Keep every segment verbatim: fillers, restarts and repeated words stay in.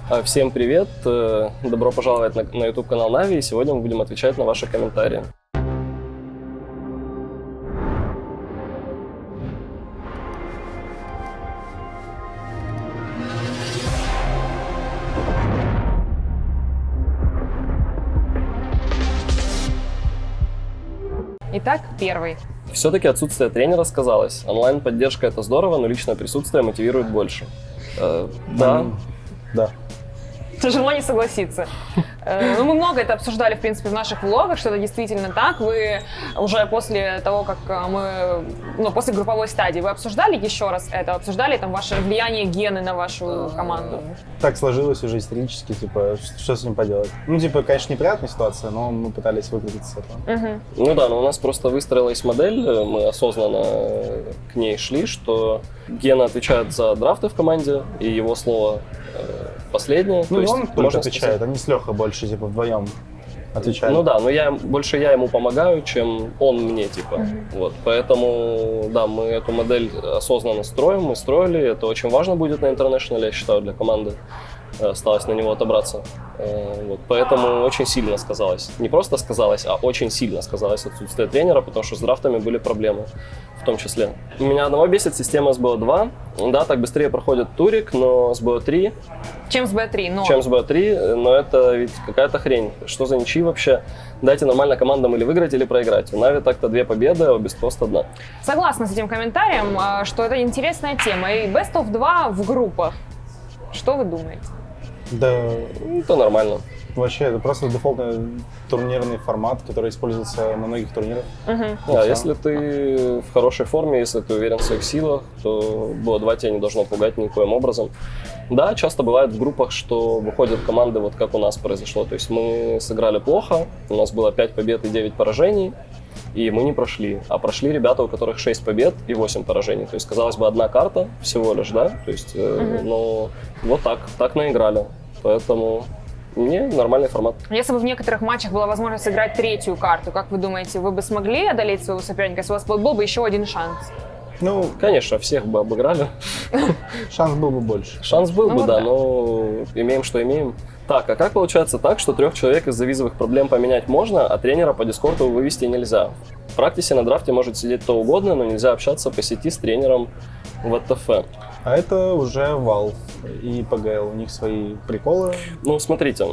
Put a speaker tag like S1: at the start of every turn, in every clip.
S1: Всем привет! Добро пожаловать на, на YouTube-канал Na'Vi, и сегодня мы будем отвечать на ваши комментарии.
S2: Итак, первый.
S1: Все-таки отсутствие тренера сказалось. Онлайн-поддержка — это здорово, но личное присутствие мотивирует больше. Э, да.
S3: Да.
S2: Тяжело не согласиться. Ну, мы много это обсуждали, в принципе, в наших влогах, что это действительно так. Вы уже после того, как мы, ну, после групповой стадии, вы обсуждали еще раз это? Обсуждали там ваше влияние гены на вашу команду?
S3: Так сложилось уже исторически, типа, что с ним поделать? Ну, типа, конечно, неприятная ситуация, но мы пытались выкрутиться с этого.
S2: Угу.
S1: Ну да, но у нас просто выстроилась модель, мы осознанно к ней шли, что Гена отвечает за драфты в команде, и его слово последнее.
S3: Ну,
S1: то есть,
S3: он только отвечает, они с Лехой больше, типа, вдвоем отвечают.
S1: Ну да, но я, больше я ему помогаю, чем он мне, типа. Mm-hmm. Вот, поэтому, да, мы эту модель осознанно строим, мы строили, это очень важно будет на International, я считаю, для команды. Осталось на него отобраться. Вот, поэтому очень сильно сказалось. Не просто сказалось, а очень сильно сказалось отсутствие тренера, потому что с драфтами были проблемы в том числе. Меня одного бесит система эс би о два. Да, так быстрее проходит турик, но эс би о три...
S2: Чем эс би о три, но...
S1: Чем эс би о три, но это ведь какая-то хрень. Что за ничьи вообще? Дайте нормально командам или выиграть, или проиграть. У Na'Vi так-то две победы, а у Бесткост одна.
S2: Согласна с этим комментарием, что это интересная тема. И Best of два в группах. Что вы думаете?
S3: Да,
S1: это нормально.
S3: Вообще, это просто дефолтный турнирный формат, который используется на многих турнирах.
S2: Uh-huh.
S1: Да, если ты в хорошей форме, если ты уверен в своих силах, то би о два тебя не должно пугать никоим образом. Да, часто бывает в группах, что выходят команды, вот как у нас произошло. То есть мы сыграли плохо, у нас было пять побед и девять поражений, и мы не прошли. А прошли ребята, у которых шесть побед и восемь поражений. То есть, казалось бы, одна карта всего лишь, да? То есть, uh-huh. э, ну, вот так, так наиграли. Поэтому... Не, нормальный формат.
S2: Если бы в некоторых матчах была возможность сыграть третью карту, как вы думаете, вы бы смогли одолеть своего соперника, если у вас был бы еще один шанс?
S3: Ну,
S1: конечно, всех бы обыграли.
S3: Шанс был бы больше.
S1: Шанс был
S2: ну,
S1: бы,
S2: вот
S1: да,
S2: да,
S1: но имеем, что имеем. Так, а как получается так, что трех человек из-за визовых проблем поменять можно, а тренера по дискорду вывести нельзя? В практике на драфте может сидеть кто угодно, но нельзя общаться по сети с тренером в ти эф.
S3: А это уже Valve и пи джи эл, у них свои приколы.
S1: Ну, смотрите,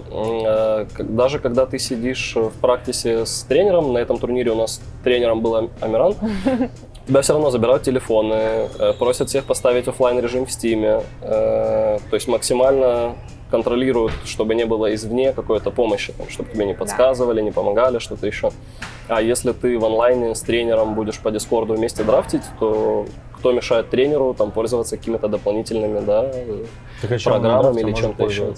S1: даже когда ты сидишь в практисе с тренером, на этом турнире у нас тренером был Амиран, тебя все равно забирают телефоны, просят всех поставить офлайн режим в Steam, то есть максимально контролируют, чтобы не было извне какой-то помощи, там, чтобы тебе не подсказывали, да. не помогали, что-то еще. А если ты в онлайне с тренером будешь по Дискорду вместе драфтить, то кто мешает тренеру там пользоваться какими-то дополнительными, да, программами или чем-то еще?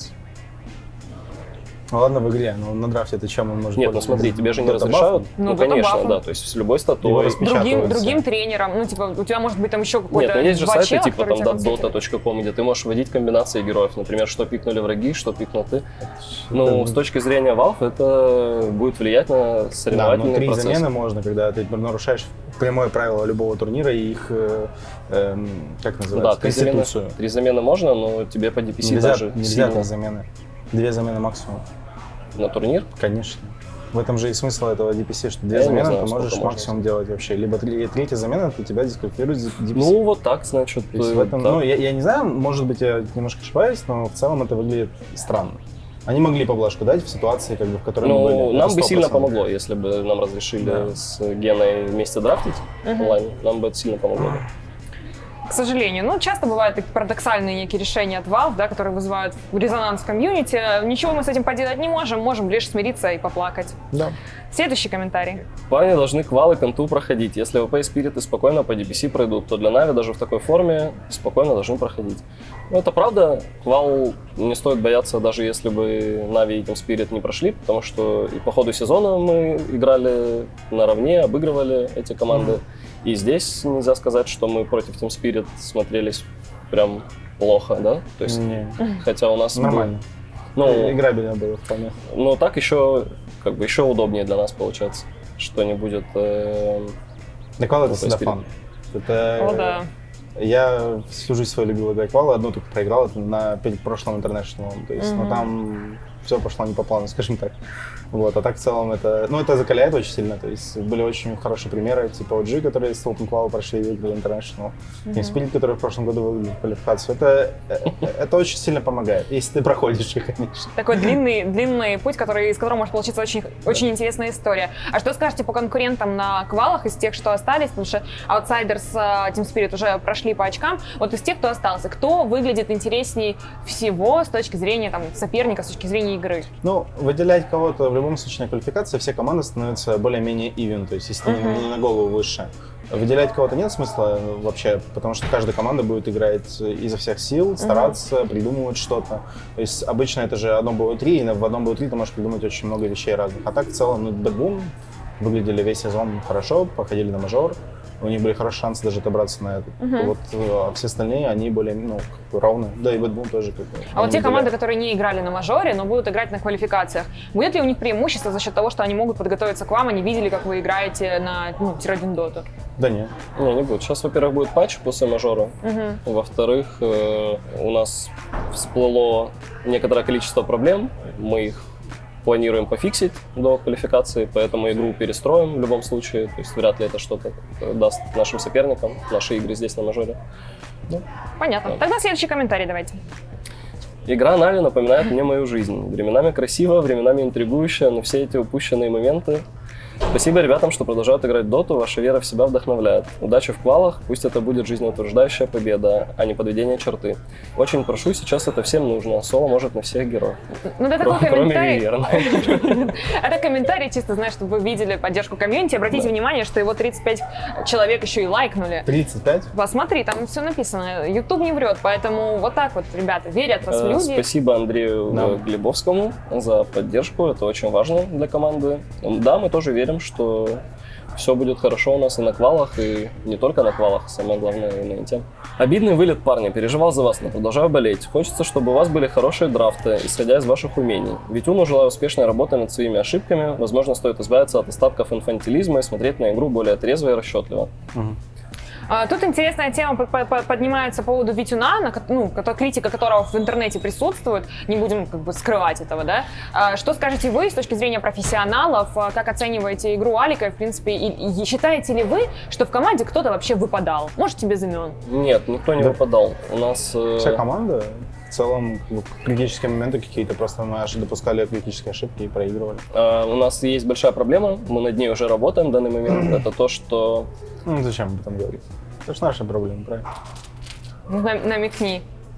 S3: Ну ладно, в игре, но на драфте ты чем он может
S1: Нет, ну смотри, тебе же не разрешают.
S2: Ну,
S1: ну конечно,
S2: бафом.
S1: да, то есть с любой статой.
S2: Другим, другим тренером, ну типа у тебя может быть там еще какой-то.
S1: Нет, ну есть же
S2: два
S1: сайты
S2: чела,
S1: типа там
S2: тебя
S1: dota точка ком, где ты можешь вводить комбинации героев, например, что пикнули враги, что пикнул ты. Ну, с точки зрения Valve это будет влиять на соревновательный
S3: да, но три
S1: процесс.
S3: замены можно, когда ты нарушаешь прямое правило любого турнира и их, э, э, как называется,
S1: да, конституцию. Три замены можно, но тебе по ди пи си
S3: нельзя,
S1: даже
S3: нельзя
S1: сильно.
S3: три замены. Две замены максимум.
S1: На турнир?
S3: Конечно. В этом же и смысл этого ди пи си, что две
S1: Я
S3: замены
S1: знаю,
S3: ты можешь максимум делать вообще. Либо три, третья замена, то тебя дисквалифицирует ди пи си.
S1: Ну, вот так, значит.
S3: То есть в этом, ну, я, я не знаю, может быть, я немножко ошибаюсь, но в целом это выглядит странно. Они могли поблажку дать в ситуации, как бы, в которой
S1: ну,
S3: мы были.
S1: нам бы сильно помогло, если бы нам разрешили
S3: да.
S1: с Геной вместе драфтить uh-huh. онлайн. Нам бы это сильно помогло.
S2: К сожалению. Ну, часто бывают такие парадоксальные некие решения от Valve, да, которые вызывают резонанс в комьюнити. Ничего мы с этим поделать не можем, можем лишь смириться и поплакать.
S3: Да.
S2: Следующий комментарий.
S1: Парни должны квалы конту проходить. Если ви пи и спириты спокойно по ди пи си пройдут, то для Na'Vi даже в такой форме спокойно должны проходить. Ну, это правда. Квал не стоит бояться, даже если бы Na'Vi и Team Spirit не прошли, потому что и по ходу сезона мы играли наравне, обыгрывали эти команды. Mm-hmm. И здесь нельзя сказать, что мы против Team Spirit смотрелись прям плохо, да? То есть,
S3: не.
S1: хотя у нас
S3: нормально.
S1: Был, ну,
S3: играбельно было вполне.
S1: Но так еще, как бы, еще удобнее для нас получается, что не будет. Э,
S3: Квал это всегда фан. Это,
S2: О, да.
S3: Я всю жизнь свою любил играть в квалы, одну только проиграл, это на перед прошлым интернешнлом, то есть,
S2: Мгм.
S3: но там все пошло не по плану, скажем так. Вот, а так в целом это, ну, это закаляет очень сильно, то есть были очень хорошие примеры, типа о джи, которые с Open Qual прошли и выиграли International, Team Spirit, который в прошлом году выиграли квалификацию. Это, э, это очень сильно помогает, если ты проходишь их, конечно.
S2: Такой длинный, длинный путь, который, из которого может получиться очень, очень интересная история. А что скажете по конкурентам на квалах из тех, что остались? Потому что Outsiders, э, Team Spirit уже прошли по очкам. Вот из тех, кто остался, кто выглядит интересней всего с точки зрения там, соперника, с точки зрения игры?
S3: Ну, выделять кого-то в любом случае на квалификации, все команды становятся более-менее even, то есть если
S2: Мгм.
S3: не, не на голову выше. Выделять кого-то нет смысла вообще, потому что каждая команда будет играть изо всех сил, стараться, придумывать что-то. То есть обычно это же одно би о три, и в одном би о три ты можешь придумать очень много вещей разных. А так в целом, ну, Bad Boom выглядели весь сезон хорошо, походили на мажор. У них были хорошие шансы даже отобраться на этот.
S2: Мгм.
S3: Вот, а все остальные, они более, ну, как бы равны. Да, и Bad Boom тоже. Как бы,
S2: А вот те
S3: они
S2: команды,
S3: выделяют.
S2: которые не играли на мажоре, но будут играть на квалификациях, будет ли у них преимущество за счет того, что они могут подготовиться к вам, они видели, как вы играете на ну, тир один доту?
S3: Да нет.
S1: Не, не будет. Сейчас, во-первых, будет патч после мажора.
S2: Мгм.
S1: Во-вторых, э, у нас всплыло некоторое количество проблем. Мы их планируем пофиксить до квалификации, поэтому игру перестроим в любом случае. То есть вряд ли это что-то э, даст нашим соперникам, наши игры здесь на мажоре.
S2: Понятно.
S1: Да.
S2: Тогда следующий комментарий давайте.
S1: Игра Нави напоминает мне мою жизнь. Временами красиво, временами интригующая, но все эти упущенные моменты. Спасибо ребятам, что продолжают играть в доту, ваша вера в себя вдохновляет. Удачи в квалах, пусть это будет жизнеутверждающая победа, а не подведение черты. Очень прошу, сейчас это всем нужно, соло может на всех героев.
S2: Ну, это
S1: Кро-
S2: такой
S1: Кроме
S2: комментарий.
S1: Виверна.
S2: Это комментарий, чисто, знаешь, чтобы вы видели поддержку комьюнити. Обратите внимание, что его тридцать пять человек еще и лайкнули.
S3: тридцать пять?
S2: Посмотри, там все написано. YouTube не врет, поэтому вот так вот, ребята, верят в вас
S1: Э,
S2: люди.
S1: Спасибо Андрею
S3: Да.
S1: э, Глебовскому за поддержку, это очень важно для команды. Да, мы тоже верим, что все будет хорошо у нас и на квалах, и не только на квалах, самое главное и на инте. Обидный вылет, парни, переживал за вас, но продолжаю болеть. Хочется, чтобы у вас были хорошие драфты, исходя из ваших умений. Витюну желаю успешной работы над своими ошибками. Возможно, стоит избавиться от остатков инфантилизма и смотреть на игру более трезво и расчетливо.
S2: А, Тут интересная тема по- по- по- поднимается по поводу Витюна, на ко- ну, кото- критика которого в интернете присутствует, не будем как бы скрывать этого, да. А, Что скажете вы с точки зрения профессионалов, а, как оцениваете игру Алика, в принципе, и, и считаете ли вы, что в команде кто-то вообще выпадал? Можете без имен?
S1: Нет, никто не
S3: Да.
S1: выпадал. У нас... э,
S3: Вся команда в целом как бы, критические моменты какие-то, просто мы аж допускали критические ошибки и проигрывали.
S1: э, у нас есть большая проблема, мы над ней уже работаем в данный момент. Это то, что
S3: Ну зачем об этом говорить? Это же наша проблема, правильно?
S2: Ну, на- Намекни.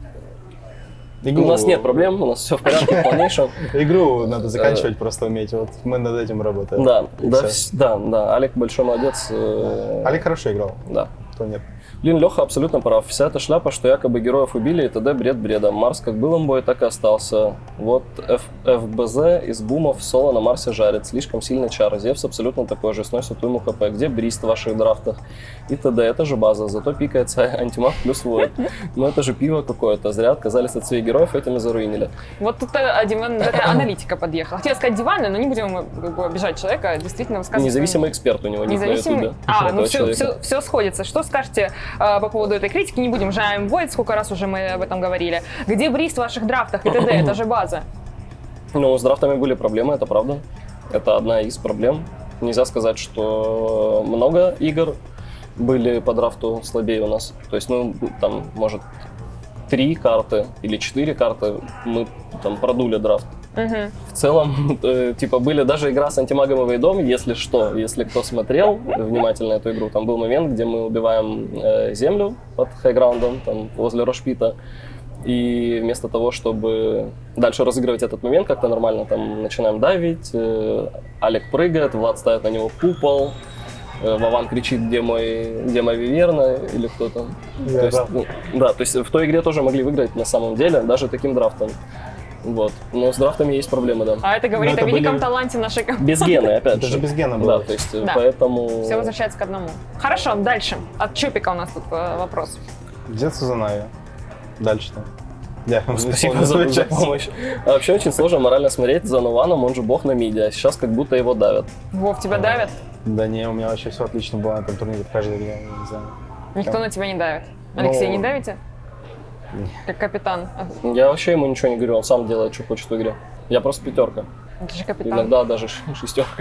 S3: Игру-
S1: у нас нет проблем, у нас все в порядке в полнейшем.
S3: Игру надо заканчивать, просто уметь. Вот мы над этим работаем.
S1: Да,
S3: И
S1: да,
S3: всё.
S1: вс- да, да, Алик большой молодец. э,
S3: Олег хорошо играл,
S1: Да.
S3: кто нет.
S1: Блин, Леха абсолютно прав. Вся эта шляпа, что якобы героев убили, и т.д. бред бредом. Марс как был имбой, так и остался. Вот Ф- эф би зет из бумов соло на Марсе жарит. Слишком сильный чар. Зевс абсолютно такой же, сносит уйму хп. Где Брист в ваших драфтах? И т.д. Это же база. Зато пикается антимаг плюс воид. Но это же пиво какое-то. Зря отказались от своих героев, этим и заруинили.
S2: Вот тут э, диван- такая аналитика подъехала. Хотела сказать диванная, но не будем э, как бы, обижать человека, действительно высказывать.
S1: Независимый эксперт у него ник на
S2: Независимый.
S1: ютубе.
S2: А, ну
S1: этого
S2: все,
S1: человека.
S2: все, все сходится. Что скажете э, по поводу этой критики? Не будем жаем Void, сколько раз уже мы об этом говорили. Где Брист в ваших драфтах и т.д. Это же база.
S1: Ну, с драфтами были проблемы, это правда. Это одна из проблем. Нельзя сказать, что много игр были по драфту слабее у нас. То есть, ну, там, может, три карты или четыре карты мы там продули драфт.
S2: Мгм.
S1: В целом, э, типа, были даже игра с антимагом и Вейдом, если что, если кто смотрел внимательно эту игру, там был момент, где мы убиваем э, землю под хайграундом, там, возле Рошпита, и вместо того, чтобы дальше разыгрывать этот момент как-то нормально, там, начинаем давить, э, Алик прыгает, Влад ставит на него купол, э, Вован кричит, где мой, где моя Виверна, или кто там.
S3: Я
S1: То есть,
S3: да.
S1: ну, да, то есть в той игре тоже могли выиграть на самом деле, даже таким драфтом. Вот. Но с драфтами есть проблемы, да.
S2: А это говорит
S3: Ну, это
S2: о великом
S3: были-
S2: таланте нашей команды.
S1: Без гены, опять
S3: Это
S1: же.
S3: же без гена
S1: Да,
S3: было.
S1: то есть
S2: Да.
S1: поэтому...
S2: Все возвращается к одному. Хорошо, дальше. От Чупика у нас тут э, вопрос.
S3: Где Сузанави? Дальше-то. Я
S1: Спасибо за, за помощь. А вообще очень сложно морально смотреть за Нованом, он же бог на миде, а сейчас как будто его давят.
S2: Вов, тебя давят?
S3: Да не, у меня вообще все отлично было на этом турнире в каждой игре, не знаю.
S2: Никто
S3: Прям.
S2: на тебя не давит. Алексей,
S3: Ну,
S2: не давите? Как капитан.
S1: Я вообще ему ничего не говорю, он сам делает, что хочет в игре. Я просто пятерка.
S2: Это же капитан.
S1: Иногда даже ш- шестерка.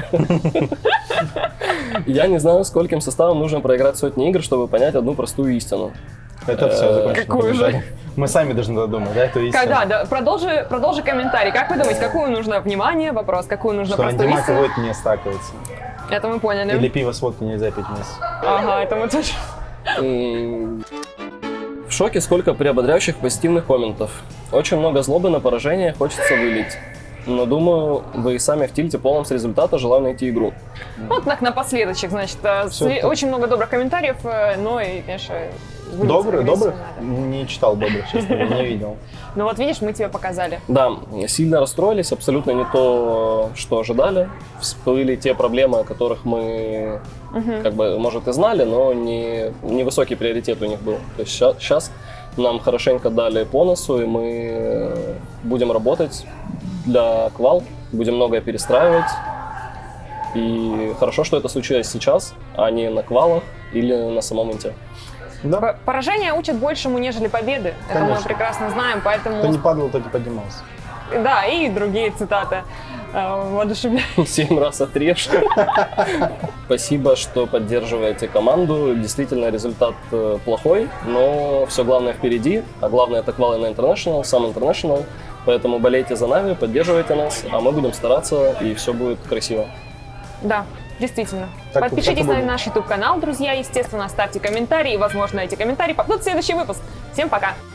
S1: Я не знаю, скольким составом нужно проиграть сотни игр, чтобы понять одну простую истину.
S3: Это все
S1: Э,
S3: закончено.
S2: какую же?
S3: Мы сами должны додумать, да, эту истину.
S2: Когда? Да, продолжи, продолжи комментарий. Как вы думаете, какую нужно внимание? Вопрос. Какую нужно
S3: Что
S2: простую
S3: антимаг и
S2: истину?
S3: водка не стакивается.
S2: Это мы поняли.
S3: Или пиво с водкой нельзя пить вместе.
S2: Ага, это мы тоже.
S1: М, В шоке, сколько приободряющих позитивных комментов. Очень много злобы на поражение, хочется вылить. Но думаю, вы и сами в тильте полном с результата, желаю найти игру.
S2: Вот так напоследочек, значит, э,
S3: Всё,
S2: сли-
S3: так.
S2: очень много добрых комментариев, э, но и, конечно, вылиться
S3: Добрый,
S2: агрессию
S3: добрый?
S2: надо.
S3: Не читал добрых, честно говоря, не видел.
S2: Ну вот видишь, мы тебе показали.
S1: Да, сильно расстроились, абсолютно не то, что ожидали. Всплыли те проблемы, о которых мы, как бы, может, и знали, но не, не высокий приоритет у них был. То есть сейчас нам хорошенько дали по носу, и мы будем работать для квал, будем многое перестраивать. И хорошо, что это случилось сейчас, а не на квалах или на самом инте.
S3: Да,
S2: П- Поражение учат большему, нежели победы. Это мы
S3: Конечно.
S2: прекрасно знаем, поэтому...
S3: кто не падал, тот и поднимался.
S2: Да, и другие цитаты э, воодушевляют.
S1: Семь раз отрежь. Спасибо, что поддерживаете команду. Действительно, результат э, плохой, но все главное впереди. А главное, это квалы на International, сам International. Поэтому болейте за нами, поддерживайте нас, а мы будем стараться, и все будет красиво.
S2: Да, действительно.
S3: Так,
S2: Подпишитесь
S3: так и
S2: на
S3: будет.
S2: наш YouTube-канал, друзья. Естественно, ставьте комментарии. Возможно, эти комментарии попадут в следующий выпуск. Всем пока!